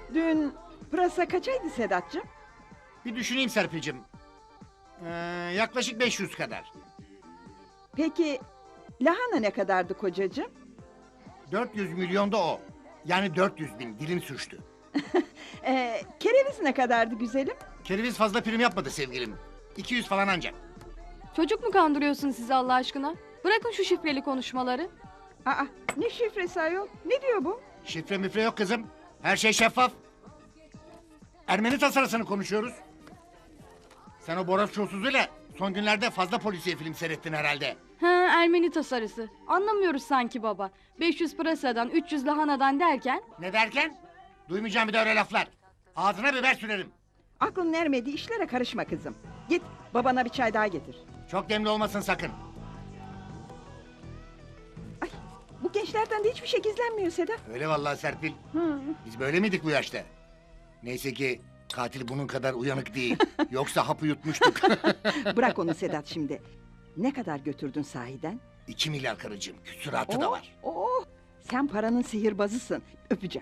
Dün pırasa kaçaydı Sedat'cığım? Bir düşüneyim Serpil'cim. Yaklaşık 500 kadar. Peki lahana ne kadardı kocacığım? 400 milyon da o. Yani 400 bin, dilim sürçtü. Kereviz ne kadardı güzelim? Kereviz fazla prim yapmadı sevgilim. 200 falan ancak. Çocuk mu kandırıyorsun sizi Allah aşkına? Bırakın şu şifreli konuşmaları. Aa, ne şifresi ayol? Ne diyor bu? Şifre müfre yok kızım. Her şey şeffaf. Ermeni tasarısını konuşuyoruz. Sen o Boros çulsuzuyla son günlerde fazla polisiye film seyrettin herhalde. Ha, Ermeni tasarısı. Anlamıyoruz sanki baba. 500 pırasadan 300 lahanadan derken... Ne derken? Duymayacağım bir de öyle laflar. Ağzına biber sürerim. Aklın ermediği işlere karışma kızım. Git babana bir çay daha getir. Çok demli olmasın sakın. Ay, bu gençlerden de hiçbir şey gizlenmiyor Sedat. Öyle vallahi Serpil. Hı. Biz böyle miydik bu yaşta? Neyse ki katil bunun kadar uyanık değil. Yoksa hapı yutmuştuk. Bırak onu Sedat şimdi. Ne kadar götürdün sahiden? 2 milyar karıcığım. Küsuratı da var. Oh, sen paranın sihirbazısın. Öpeceğim.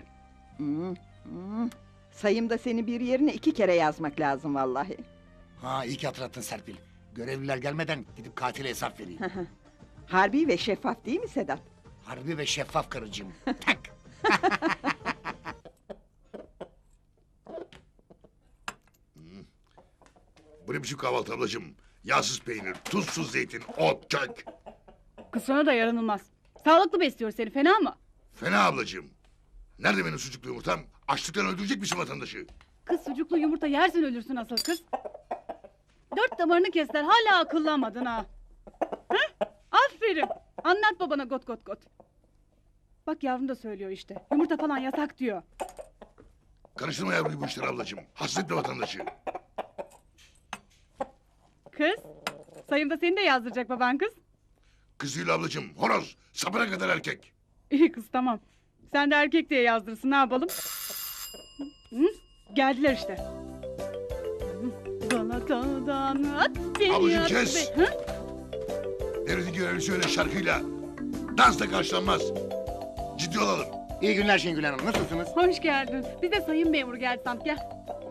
Sayımda seni bir yerine 2 kere yazmak lazım vallahi. Ha iyi ki hatırlattın Serpil. Görevliler gelmeden gidip katile hesap vereyim. Harbi ve şeffaf değil mi Sedat? Harbi ve şeffaf karıcığım. Tak. Bu ne biçim kahvaltı ablacığım? Yağsız peynir, tuzsuz zeytin, ot, çay. Kız sana da yaranılmaz. Sağlıklı besliyor seni, fena mı? Fena ablacığım. Nerede benim sucuklu yumurtam? Açlıktan öldürecek misin vatandaşı? Kız sucuklu yumurta yersen ölürsün asıl kız. 4 damarını kestiler, hala akıllanmadın ha. Hı? Aferin. Anlat babana got got got. Bak yavrum da söylüyor işte. Yumurta falan yasak diyor. Karıştırma yavruyu bu işlere ablacığım. Hasretle vatandaşı. Kız, sayımda seni de yazdıracak baban kız. Kız değil ablacığım, horoz. Sapına kadar erkek. İyi kız tamam. Sen de erkek diye yazdırsın, ne yapalım? Hı? Geldiler işte. Hı? Galata'dan at beni Ablacığım, at kes! Hı? Devletin görevlisi öyle şarkıyla. Dansla karşılanmaz. Ciddi olalım. İyi günler Şengül Hanım. Nasılsınız? Hoş geldin. Bir de sayın memur geldi sant gel.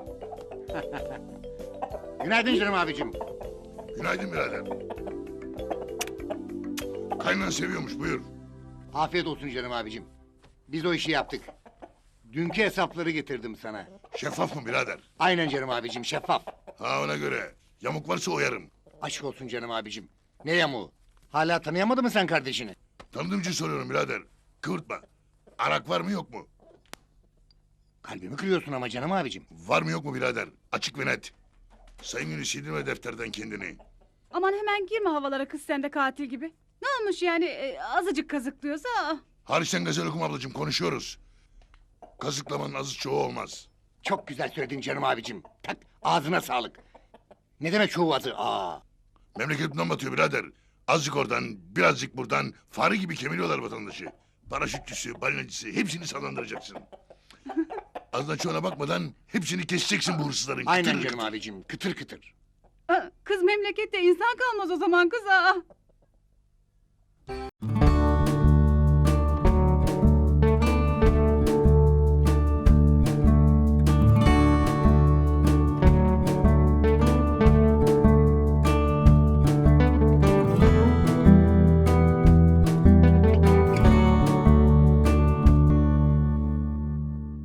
Günaydın canım abicim. Günaydın birader. Kaynan seviyormuş, buyur. Afiyet olsun canım abicim. Biz o işi yaptık. Dünkü hesapları getirdim sana. Şeffaf mı birader? Aynen canım abicim şeffaf. Ha ona göre. Yamuk varsa oyarım. Aşk olsun canım abicim. Ne yamuğu? Hala tanıyamadın mı sen kardeşini? Tanıdığım için soruyorum birader. Kıvırtma. Arak var mı yok mu? Kalbimi kırıyorsun ama canım abicim. Var mı yok mu birader? Açık ve net. Sayın Günü sildirme defterden kendini. Aman hemen girme havalara kız sen de katil gibi. Ne olmuş yani azıcık kazıklıyorsa? Hariçten gazel okum ablacığım konuşuyoruz. Kazıklamanın azı çoğu olmaz. Çok güzel söyledin canım abicim. Tak ağzına sağlık. Ne demek çoğu adı? Aa. Memleketimden batıyor birader. Azıcık oradan, birazcık buradan fare gibi kemiriyorlar vatandaşı. Paraşütçüsü, balinacısı hepsini sallandıracaksın. Azdan çoğuna bakmadan hepsini keseceksin bu hırsızların. Aynen Kıtır canım kıtır. abicim. Kıtır kıtır. Kız memlekette insan kalmaz o zaman kız. Aa.